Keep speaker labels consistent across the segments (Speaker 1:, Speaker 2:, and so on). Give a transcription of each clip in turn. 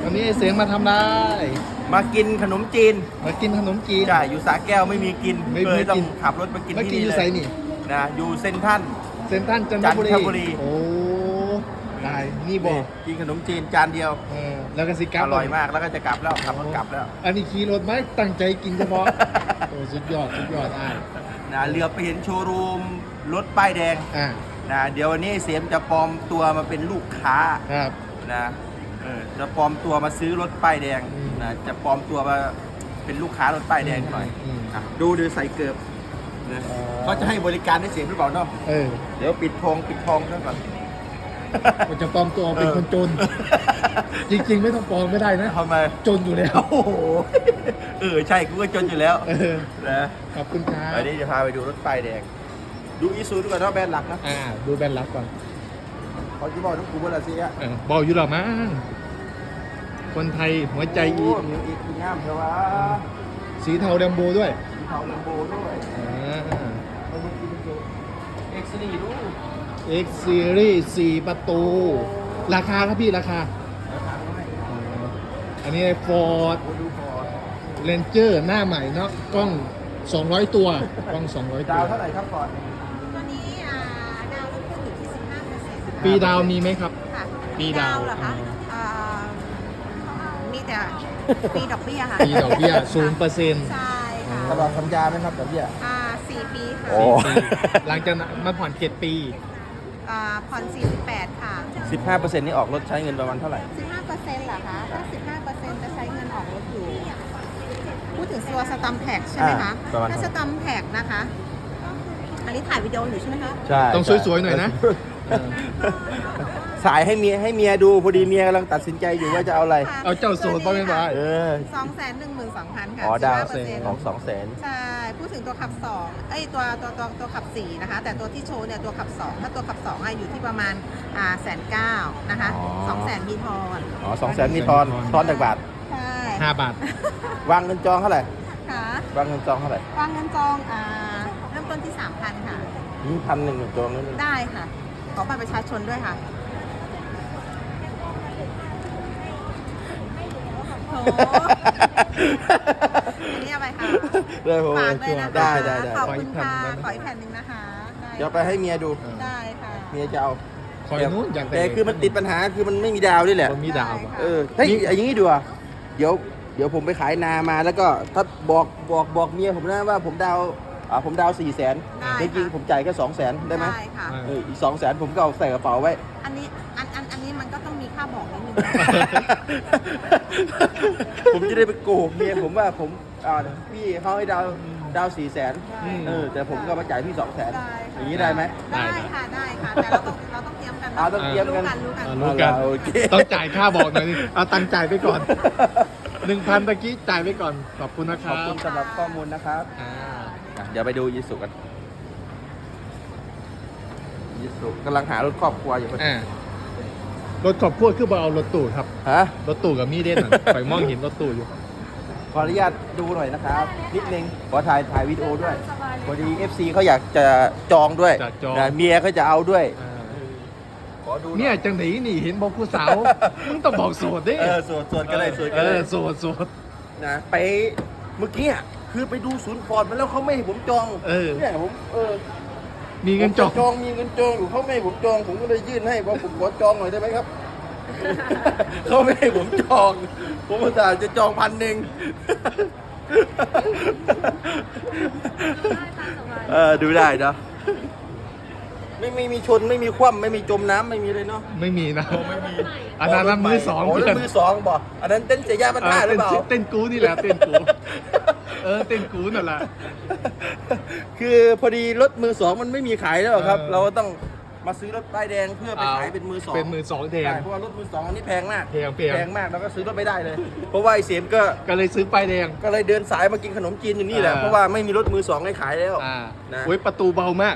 Speaker 1: วันนี้ไอ้เสียงมาทำได้
Speaker 2: มากินขนมจีน
Speaker 1: มากินขนมจีน
Speaker 2: ใช่อยู่สระแก้วไม่มีกิน
Speaker 1: ไม่
Speaker 2: เลยต้อ
Speaker 1: กิ
Speaker 2: ง
Speaker 1: น
Speaker 2: ขับรถมากิน
Speaker 1: เมื่อ
Speaker 2: ที่
Speaker 1: กี้
Speaker 2: นี่
Speaker 1: อยู่
Speaker 2: เล
Speaker 1: ไซ
Speaker 2: ย
Speaker 1: นี่
Speaker 2: นะอยู่เซ็นทรัล
Speaker 1: เซนทรันจันทบุรี
Speaker 2: จันทบุรี
Speaker 1: โอ้ได้นี่บอก
Speaker 2: กินขนมจีนจานเดียว
Speaker 1: แล้วก็สิกลับ
Speaker 2: อร่อยมากแล้วก็จะกลับแล้วขับรถกลับแล้ว
Speaker 1: อันนี้ขี่รถไหมตั้งใจกินเฉพาะ โอ้สุดยอดอ้าย
Speaker 2: นะเรือไปเห็นโชว์รูมรถป้ายแดง นะเดี๋ยววันนี้เสียมจะปลอมตัวมาเป็นลูกค้า
Speaker 1: ครับ
Speaker 2: นะจะปลอมตัวมาซื้อรถป้ายแดง
Speaker 1: อืม
Speaker 2: นะจะปลอมตัวมาเป็นลูกค้ารถป้ายแดงหน่อย อ่ะดูใส่เกือบนะเขาจะให้บริการได้เสียมหรือเปล่าเนาะ เดี๋ยวปิดทองซะก่อน
Speaker 1: มันจะปลอมตัวเป็นคนจน จริงๆไม่ต้องปลอมไม่ได้นะ
Speaker 2: ทำไม
Speaker 1: จนอยู่แล้ว
Speaker 2: โอ้โหใช่กูก็จนอยู่แล้วนะ
Speaker 1: ขอบคุณครับ
Speaker 2: วันนี้จะพาไปดูรถป้ายแดง ดูอีซูดูก่อนว่าแบรนด์หลักนะ
Speaker 1: ดูแบรนด์ลับก่อน
Speaker 2: เขาจะบอกทุกกูว่าละสิอ่ะ
Speaker 1: บอกอยู่หรอมั้งคนไทยหัวใจอี
Speaker 2: โมีอีกงามเถอะวะ
Speaker 1: สีเทาแดมโบด้วย
Speaker 2: สีเทาลัมโบด้วยเอามากินดูเอ็กซ์นี่ดู
Speaker 1: X Series 4 ประตู ราคาครับพี่ราคา อันนี้ Ford
Speaker 2: ดูพอ
Speaker 1: Ranger หน้าใหม่เนาะกล้อง 200 ตัวกล้อง 200
Speaker 2: ดา
Speaker 1: ตัว
Speaker 2: วเท่าไหร่ครับก่อน
Speaker 3: ตัวนี้ดาวต้องขึ้นอยู่ที่ 15%
Speaker 1: ปีดาวมีไหมครับ
Speaker 3: ค่ะ
Speaker 1: ปีดาว
Speaker 3: เหรอคะมีแต่ปีดอกเบี้ยค่ะ
Speaker 1: ปีดอกเบี้ย 0%
Speaker 3: ใช่ค่ะ
Speaker 2: ตลอดสัญญาไหมครับดอกเบี้ย
Speaker 3: 4 ปีค่ะ
Speaker 2: โอ้
Speaker 1: หลังจากนั้นมาผ่อน 7 ปี
Speaker 3: ผ่อน 48 ค่ะ
Speaker 2: 15%นี่ออกรถใช้เงินประมาณเท่าไหร่
Speaker 3: 15%เหรอคะ ถ้า 15%จะใช้เงินออกรถอยู่ พูดถึงตัวสตัมแท็กใช่ไหมคะ
Speaker 2: ประมาณ
Speaker 3: ถ้าสตัมแท็กนะคะ อันนี้ถ่ายวิดีโออยู่ใช่ไหมคะ
Speaker 2: ใช่
Speaker 1: ต้องสวยๆหน่อยนะ
Speaker 2: สายให้เมียดูพอดีเมียกำลังตัดสินใจอยู่ว่าจะเอาอะไร
Speaker 1: เอาเจ้าโสดบ้างไหมบ้าง
Speaker 3: 212,000 ค่ะ
Speaker 2: อ๋อดาว
Speaker 3: 15%
Speaker 2: ของ200,000
Speaker 3: ใช่ พูดถึงตัวขับ 2 ตัวขับ 4 นะคะ แต่ตัวที่โชว์เนี่ยตัวขับ 2 ถ้าตัวขับ2อยู่ที่ประมาณ1,900,000 นะคะ
Speaker 2: อ๋อ
Speaker 3: 200,000มีทอน
Speaker 2: อ๋อ200,000มีทอนจากบาท
Speaker 3: ใช่
Speaker 1: 5 บาท
Speaker 2: วางเงินจองเท่าไหร่
Speaker 3: ค่ะ
Speaker 2: วางเงินจองเท่าไหร่
Speaker 3: วางเงินจองเริ่มต้นที่ 3,000 ค่ะ
Speaker 2: นี่1,100จองนั่นเอง
Speaker 3: ได้ค่ะ ขอบัตรประชาชนด้วยค่ะโถอันนี้เอาไปค่ะ
Speaker 2: ได้ผม
Speaker 3: ฝากเลยนะคะ
Speaker 2: ได้
Speaker 3: ขอบคุณค่ะ ขออีกแผ่นหนึ่งนะคะได้
Speaker 2: เดี๋ยวไปให้เมียดู
Speaker 3: ได้ค่ะ
Speaker 2: เมียจะเอา
Speaker 1: คอยนู้นอยากได้
Speaker 2: แต่คือมันติดปัญหาคือมันไม่มีดาวนี่แหละ
Speaker 1: มันมีดาว
Speaker 2: เออเฮ้ยอย่างนี้ดีกว่าเดี๋ยวผมไปขายนามาแล้วก็ถ้าบอกเมียผมนะว่าผมดาว400,000
Speaker 3: ได้
Speaker 2: จริงๆผมจ่ายแค่200,000ได้ไหม
Speaker 3: ได้ค่ะ
Speaker 2: อีก200,000ผมก็เอาใส่กระเป๋าไว้
Speaker 3: อันนี้มันก็ต้องมีค่าบอกนิดนึง
Speaker 2: ผมจะได้ไปโกหกเมียผมว่าผมพี่เขาให้ดาว400,000แต่ผมก็มาจ่ายพี่200,000
Speaker 3: ได้
Speaker 2: อ
Speaker 3: ค่ะ
Speaker 2: ย่างนี้ได้ไหม
Speaker 3: ได้ค่ะ ได้ค่ะ แต่เราต้องเตรียมกันนะ
Speaker 2: ต้องเตรียมกัน
Speaker 3: รู้กัน
Speaker 1: รู้กัน
Speaker 2: โอเค
Speaker 1: ต้องจ่ายค่าบอกหน่อยดิเอาตังค์จ่ายไปก่อน 1,000ตะกี้จ่ายไปก่อน ขอบคุณนะค
Speaker 2: ข
Speaker 1: รั
Speaker 2: อบบ คุณสำหรับข้อมูลนะครับ
Speaker 1: อ่า
Speaker 2: เดี๋ยวไปดูยิสุกันยิสุกำลังหารถครอบครัวอยู่
Speaker 1: รถขอบพวดคือบ่เอารถตู้ครับ
Speaker 2: ฮะ
Speaker 1: รถตู้กับมีเด่นน่ะ ไปมองเห็นรถตู้อยู่
Speaker 2: ขออนุญาตดูหน่อยนะครับ นิดนึงขอถ่ายวิดีโอด้วยพอดี FC เขาอยากจะจองด้วย
Speaker 1: จะจอง
Speaker 2: นะเมียเขาจะเอาด้วย ขอดูหน่อ
Speaker 1: เนี่ยจังไหนนี่เห็นบอกผู้สาว มึงต้องบอกโสดดิ
Speaker 2: สวดกันเลยสวดกันเลย
Speaker 1: โสด
Speaker 2: นะไปเมื่อกี้อ่ะคือไปดูศูนย์ฟอร์ดมาแล้วเขาไม่ให้ผมจองเนี่ยผม
Speaker 1: มีเงินจอง
Speaker 2: จองมีเงินจองอยู่เขาไม่ให้ผมจองผมก็เลยยื่นให้ว่าผมขอจองหน่อยได้ไหมครับ เขาไม่ให้ผมจอง ผมอุตส่าห์จะจอง1,000ดูได้เนาะไม่มีชนไม่มีคว่ำไม่มีจมน้ำไม่มีเลยเนาะ
Speaker 1: ไม่มีนะอันนั้นมือสอง
Speaker 2: โอ้
Speaker 1: เพื่อน
Speaker 2: มือสองบอกอันนั้นเต้นเสียยาบ้านหรือเปล่า
Speaker 1: เต้นกูนี่แหละเต้นกูเต้นกูนั่นแหละ
Speaker 2: คือพอดีรถมือสองมันไม่มีขายแล้วครับ เราก็ต้องมาซื้อรถป้ายแดงเพื่อไปขายเป็นมือสอง
Speaker 1: เป็นมือสองแทน
Speaker 2: ใช่เพราะว่ารถมือสองอันนี้แพงมาก
Speaker 1: แพง
Speaker 2: มากแล้วก็ซื้อรถไม่ได้เลย เพราะว่าไอ้เสียมก็
Speaker 1: ก็เลยซื้อป้ายแดง
Speaker 2: ก็เลยเดินสายมากินขนมจีนอยู่นี่แหละเพราะว่าไม่มีรถมือสองให้ขายแล้วนะ
Speaker 1: โอ้ยประตูเบามาก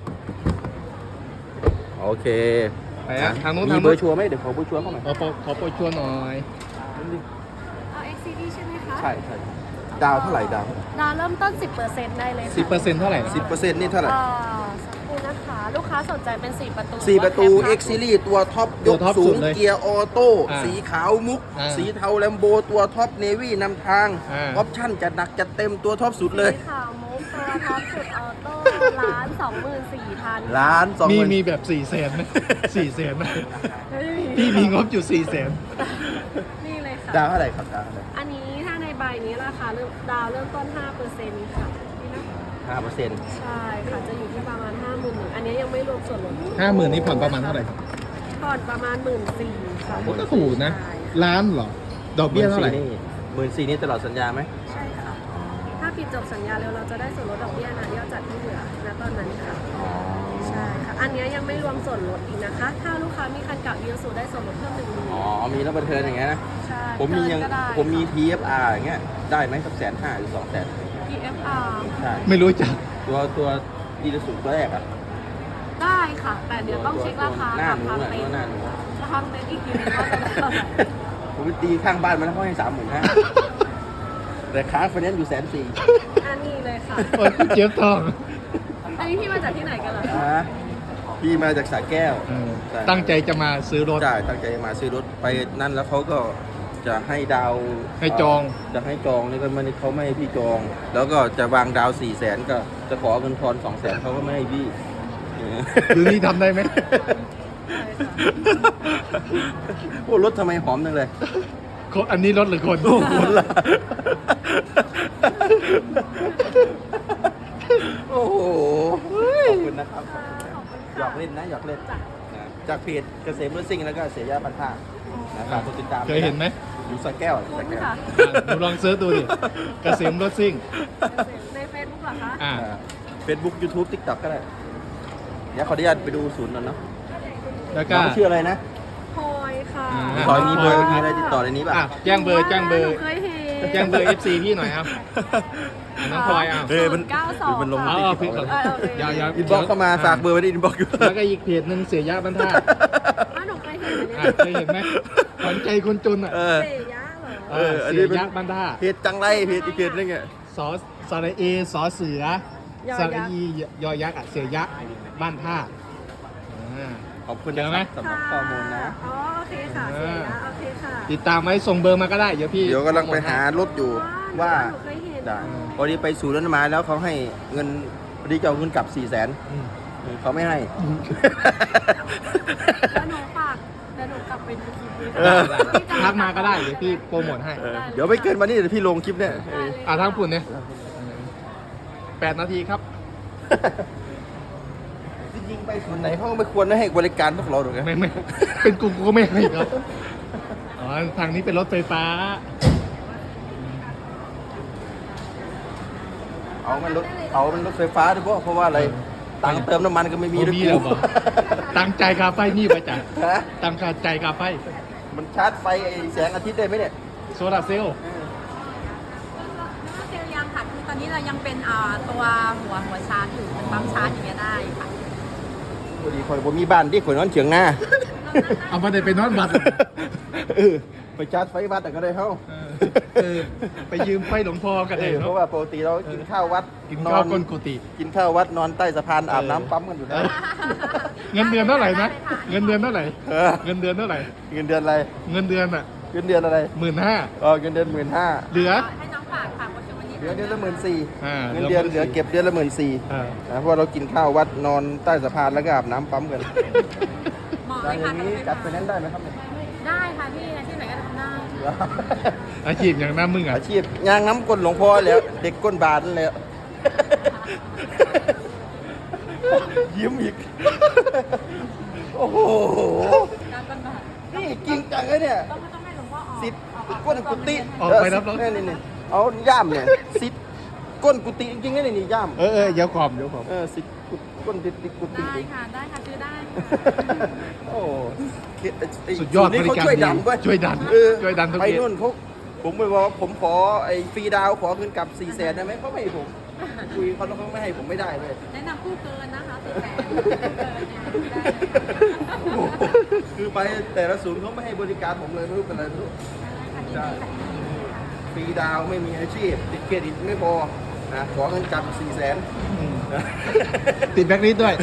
Speaker 2: โอเค
Speaker 1: ไปทางนู้น
Speaker 2: มีเบอร์ชัวร์ไหมเดี๋ยวขอเบอร์ชัวร์เข้าหน่อย
Speaker 1: ขอโปรชัวร์หน่อย
Speaker 4: เอา XCD ใช่ไหมคะ
Speaker 2: ใช่ดาวเท่าไหร่ดาว
Speaker 4: ดาวเริ่มต้น 10%ได้เลยค่ะ
Speaker 1: 10%เท่าไหร่นะ
Speaker 2: 10%นี่เท่าไหร่
Speaker 4: สักครู่นะนะคะ ลูกค้าสนใจเป็น 4 ประตู
Speaker 2: 4 ประตู
Speaker 4: หอว่า
Speaker 2: X Series ตัวท็อปยกสูงเกียร์ออโต้สีขาวมุก สีเทาแลมโบตัวท็อปเนวี่นำทางออปชั่นจะหนักจะเต็มตัวท็อปสุดเลย
Speaker 4: สีขาวมุกตัวท็อปสุดออโต้1,24,000
Speaker 2: ล้านสอง
Speaker 1: มีแบบ400,000ไหม400,000ไหมพี่มีงบอยู่400,000
Speaker 4: นี่เลยค่ะ
Speaker 2: ดาวเท่าไหร่ครับดาวเท่าไหร่
Speaker 4: อันนี้ถ้าในใบนี้ราคาดาวเริ่มต้น 5%ค่ะนี่นะ
Speaker 2: 5%
Speaker 4: ใช่ค่ะ จะอยู่ที่ประมาณ 50,000อันนี้ยังไม่รวมส่วนลด
Speaker 1: 50,000นี่ผ่อนประมาณเท่าไหร่ครับ
Speaker 4: ผ่อนประมาณ 14,000ค่ะ
Speaker 1: โอ้ก็ถูกนะ ล้านเหรอ ดอกเบี้ยเท่าไหร่
Speaker 2: 14,000นี่ตลอดสัญญาไหม
Speaker 4: ใช่ค่ะ ถ้าปิดจบสัญญาเร็วเราจะได้ส่วนลดดอกเบี้ยนะยอดจัดที่เหลือณตอนนั้นค่ะ ใช่ค่ะ อันนี้ยังไม่รวมส่วนลดอีกนะคะ ถ้าลูกค้ามีคันเก่าอีซูได้ส่วนลดเพิ่ม1,000
Speaker 2: อ๋อ มีรับประเทินอย่างเงี้ยนะ
Speaker 4: ใช่
Speaker 2: ผมมียัง
Speaker 4: เกินก็ได้
Speaker 2: ผมมี TFR อย่างเงี้ย ได้ไหมสัก150,000หรือ200,000
Speaker 4: TFR
Speaker 2: ใช่
Speaker 1: ไม่รู้จัก
Speaker 2: ตัวดีลสุดตัวแรกอ่ะ
Speaker 4: ได้ค่ะ แต่เดี๋ยวต้องเช็คราคา
Speaker 2: หน้า
Speaker 4: กับ
Speaker 2: หนู
Speaker 4: ทาง
Speaker 2: อ่ะ
Speaker 4: เต็น
Speaker 2: ตัว
Speaker 4: ท์
Speaker 2: หน้าหนู
Speaker 4: ทางเต็นท์อีกทีนึงว่าจะได้เท่าไหร่
Speaker 2: ผมไปตีข้างบ้านมันแล้วเขาให้35,000แต่ค้างไฟแนนซ์อยู่140,000
Speaker 4: อันนี้เลยค่ะ
Speaker 1: โอ้ยพี่เจี๊ยบทอง
Speaker 4: อันนี้พี่มาจากที่ไหนกันล่ะคะ
Speaker 2: ฮะพี่มาจากสระแก้ว ใช่
Speaker 1: ตั้งใจจะมาซื้อรถ
Speaker 2: ใช่ตั้งใจมาซื้อรถไปนั่นแล้วเขาก็จะให้ดาว
Speaker 1: ให้จอง
Speaker 2: จะให้จองนี่ก็มันเขาไม่ให้พี่จอง แล้วก็จะวางดาว400,000ก็จะขอเงินทอน200,000เขาก็ไม่ให้พี่
Speaker 1: อยู่นี่ทำได้ไหม
Speaker 4: ใช่ค่ะ
Speaker 2: โอ้รถทำไมหอมจังเลย
Speaker 1: อันนี้รถหรือคน
Speaker 2: โอ้โหล่ะโอ้โหขอบคุณนะครับ
Speaker 4: ขอบคุณ
Speaker 2: หย
Speaker 4: ค่ะ
Speaker 2: อกเล่นนะหยอกเล่น
Speaker 4: จ้ะ
Speaker 2: นะจากเพจเกษมรถซิ่งแล้วก็เสียยาปันท่านะครับกดติดตาม
Speaker 1: เคยเห็นไหม
Speaker 2: อยู่สระแก้ว
Speaker 4: คุ
Speaker 2: สระ
Speaker 4: ณ
Speaker 2: แก้ว
Speaker 4: ค่ะ
Speaker 1: หนูลองเซิร์ชดูดิเกษมรถซิ่ง
Speaker 4: ในเฟซบุ๊กเหรอคะ
Speaker 1: อ่า
Speaker 2: เฟซบุ๊กยูทูบทิกต็อกก็ได้ เดี๋ยวขออนุญาตไปดูศูนย์หน่อยเนาะ
Speaker 1: แล้วก็
Speaker 2: น้องชื่ออะไรนะ
Speaker 4: พลอยค่ะ
Speaker 2: ซอยมีเบอร์มีอะไรติดต่อในนี้ป่ะ
Speaker 1: อ่ะแจ้งเบอร์
Speaker 4: หนูเคยเห็น
Speaker 1: แจ้งเบอร์ FC พี่หน่อยครับอ่ะน้องพลอยเอา
Speaker 2: เฮ้ยมัน
Speaker 4: 092
Speaker 2: มันลง
Speaker 1: เอา
Speaker 2: ติ๊
Speaker 1: เอา
Speaker 2: ก
Speaker 1: พี่
Speaker 2: ต็
Speaker 1: ก่
Speaker 2: อ
Speaker 1: อก นยาวๆ
Speaker 2: อินบ็อกเข้ามาฝากเบอร์ไว้ที่อินบ็อกอยู่
Speaker 1: แล้วก็อีกเพจหนึ่งเสียยะบรรทัด
Speaker 4: หนูเคยเห็น
Speaker 1: อ่ะเคยเห็นไหมขวัญใจคนจนอ่ะ
Speaker 2: เออ
Speaker 4: เสียยะเหรอ
Speaker 2: อัน
Speaker 1: เสี
Speaker 2: นี้
Speaker 1: ย
Speaker 2: เป็น
Speaker 1: ยะบรรทัด
Speaker 2: เพจจังไรเพจอีกเพจนึงอ่ะ
Speaker 1: สอสระเอสอเสือย
Speaker 4: อ
Speaker 1: ส
Speaker 4: ยักษ์
Speaker 1: ระอียอยักษ์อ่ะเสียยะบ้านท่าอ่า
Speaker 2: ขอบคุณ
Speaker 1: เจอไหม
Speaker 2: สำหรับข้อมูลนะ
Speaker 4: อ๋อโอเคค่ะเสียยะโอเคค่ะ
Speaker 1: ติดตามไว้ส่งเบอร์มาก็ได้เดี๋ยวพี่
Speaker 2: เดี๋ยวกำลังไปหารถอยู่ว่า
Speaker 4: หนูเคยเห็น
Speaker 2: ได้พอดีไปสู่รถมาแล้วเขาให้เงินพอดีจะเอาเงินกลับ400,000
Speaker 1: อืม
Speaker 2: เขาไม่ให้
Speaker 4: แล้วหนูฝากแล้วหนูกลับไปดูคลิปนี้
Speaker 2: เออ
Speaker 1: ทักมาก็ได้เดี๋ยวพี่โปรโมทให้
Speaker 2: เดี๋ยวไม่เกินวันนี้เดี๋ยวพี่ลงคลิปเนี่ย
Speaker 1: อ่ะทั้งปุ่นเนี่ย8 นาทีครับ
Speaker 2: จริงๆไปส่วนไหนเขาก็ไม่ควรให้บริการพวกเราหรอกนะ
Speaker 1: ไม่เป็นกูก็ไม่ให้ครับอ๋อทางนี้เป็นรถไฟฟ้า
Speaker 2: เอามันรถไฟฟ้าด้วยเพราะว่าอะไรตังค์เติมน้ำมันก็ไม่มี
Speaker 1: บ่
Speaker 2: ด้วย
Speaker 1: มี
Speaker 2: กู
Speaker 1: แล้วบ่ ตังใจายคาไฟมีไปจ้ะ
Speaker 2: ฮะ
Speaker 1: ตังค่าใจายคาไฟ
Speaker 2: มันชาร์จไฟไอ้แสงอาทิตย์ได้ไหมเนี่ย
Speaker 1: โซลาร์เซลล์
Speaker 3: เซลล์ยังค่ะคือตอนนี้เรายังเป็นตัวหัวชาร์จอยู่เป็นปั๊มชาร์จอย่างเงี้ยได้ค่ะ
Speaker 2: พอดีคอยผมมีบ้านที่ข่อยนอนเฉียงหน้า
Speaker 1: เอามาได้ไปนอนบัตร
Speaker 2: เออไปชาร์จไฟวัดแต่ก็ได้เข้า
Speaker 1: เออไปยืมไฟหลวงพ่อกันได้
Speaker 2: เพ
Speaker 1: เนาะ
Speaker 2: ราะว่าปกติเรากินข้าววัด
Speaker 1: กินข้าวก้นกุฏิ
Speaker 2: กินข้าววัดนอนใต้สะพานอาบน้ำปั๊มกันอยู่นะ
Speaker 1: เงินเดือนเท่าไหร่นะเงินเดือนเท่าไหร่
Speaker 2: เออ
Speaker 1: เงินเดือนเท่าไหร่
Speaker 2: เงินเดือนอะไร
Speaker 1: เงินเดือนอ่ะ
Speaker 2: เงินเดือนอะไร
Speaker 1: 15,000
Speaker 2: อ๋อเงินเดือน15,000
Speaker 1: เหลือ
Speaker 3: ให้น้องฝากฝากคนชมวันนี้
Speaker 2: เหลือเดือนละ14,000
Speaker 1: อ่า
Speaker 2: เงินเดือนเหลือเก็บเดือนละ14,000
Speaker 1: อ่า
Speaker 2: นะเพราะว่าเรากินข้าววัดนอนใต้สะพานแล้วก็อาบน้ำปั๊มกัน
Speaker 3: เหมาะ
Speaker 2: อ
Speaker 3: เลย
Speaker 2: ย่า
Speaker 3: ค่ะ
Speaker 2: งนี้จัดไปนั้นได้ไหมครับเนี่ย
Speaker 3: ได้ค่ะพี่ที่ไหนก็ทำได้
Speaker 1: อาชีพอย่างนั้นมึงอ่ะ
Speaker 2: อาชีพยางน้ำก้นหลวงพ่อแล้ว เด็กก้นบาทนั่นแหละยิ้มอีก โอ้โห
Speaker 3: การบันบาด
Speaker 2: นี่จริงจังเลยเนี่ย
Speaker 3: ต้องให้หลวงพ่อออก
Speaker 2: สิทธิ์ก้นกุฏิ
Speaker 1: ออกไปรับรถ
Speaker 2: นี่เอาย่ามเนี่ยสิทธิ์ก้นกุฏิจริงๆนี่ย่าม
Speaker 1: เออเดี๋ยวขอบเดี๋ยวขอบ
Speaker 2: สิทธิ์ก้นติดกุฏิ
Speaker 3: ได้ค่ะได้ค่ะซื้อได้
Speaker 2: โอ้
Speaker 1: สุดยอด
Speaker 2: นี่
Speaker 1: บริ
Speaker 2: เขา
Speaker 1: การ
Speaker 2: ช่วย
Speaker 1: ดี
Speaker 2: ดันเว้ย
Speaker 1: ช่วยดัน
Speaker 2: เออ
Speaker 1: ช่วยดันทุก
Speaker 2: ไป
Speaker 1: เย็น
Speaker 2: นู่นเขาผมไปบอกว่าผมขอไอ้ฟรีดาวขอเงินกลับ400,000ได้ไหมเขาไม่ให้ผมคุยเขาไม่ให้ผมไม่ได้เลย
Speaker 3: แนะนำผู้เกินนะคะ400,000
Speaker 2: คือไปแต่ละศูนย์เขาไม่ให้บริการผมเลยไม่รู้เป็นอะไรไม่รู้ใช่ฟรีดาวไม่มีอาชีพติดเครดิตไม่พอนะขอเงินกลับ400,000
Speaker 1: ติดแบ็คลิสต์ด้วย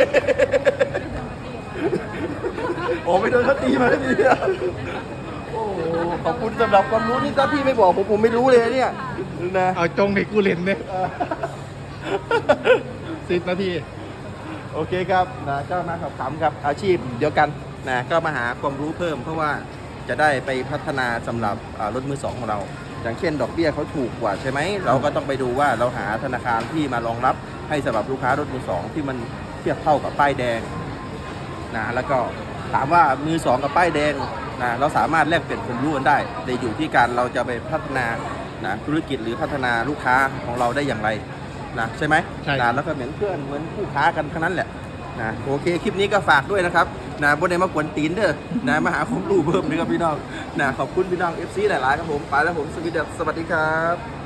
Speaker 2: โอ้ไม่โดนเขาตีมาทีเดียวโอ้โหขอบคุณสำหรับความรู้นี่ถ้าพี่ไม่บอกผมไม่รู้เลยเนี่ยนะ
Speaker 1: เอาจงให้กูเล่นเนี่ย10 นาที
Speaker 2: โอเคครับนะก็มาสอบถามครับอาชีพเดียวกันนะก็มาหาความรู้เพิ่ม เพราะว่าจะได้ไปพัฒนาสำหรับรถมือสองของเรา อย่างเช่นดอกเบี้ยเขาถูกกว่าใช่ไหมเราก็ต้องไปดูว่าเราหาธนาคารที่มารองรับให้สำหรับลูกค้ารถมือสองที่มันเทียบเท่ากับป้ายแดงนะแล้วก็ถามว่ามือสองกับป้ายแดงนะเราสามารถแลกเปลี่ยนความรู้กันได้แต่อยู่ที่การเราจะไปพัฒนานะธุรกิจหรือพัฒนาลูกค้าของเราได้อย่างไรนะใช่ไหม
Speaker 1: ใช่
Speaker 2: นะแล้วก็เหมือนเพื่อนเหมือนคู่ค้ากันทั้งนั้นแหละนะโอเคคลิปนี้ก็ฝากด้วยนะครับนะบนในมากวนตีนเด้อนะมาหาความรู้เพิ่มด้วยครับพี่น้องนะขอบคุณพี่น้อง FC หลายๆครับผมไปแล้วผมสวัสดีครับ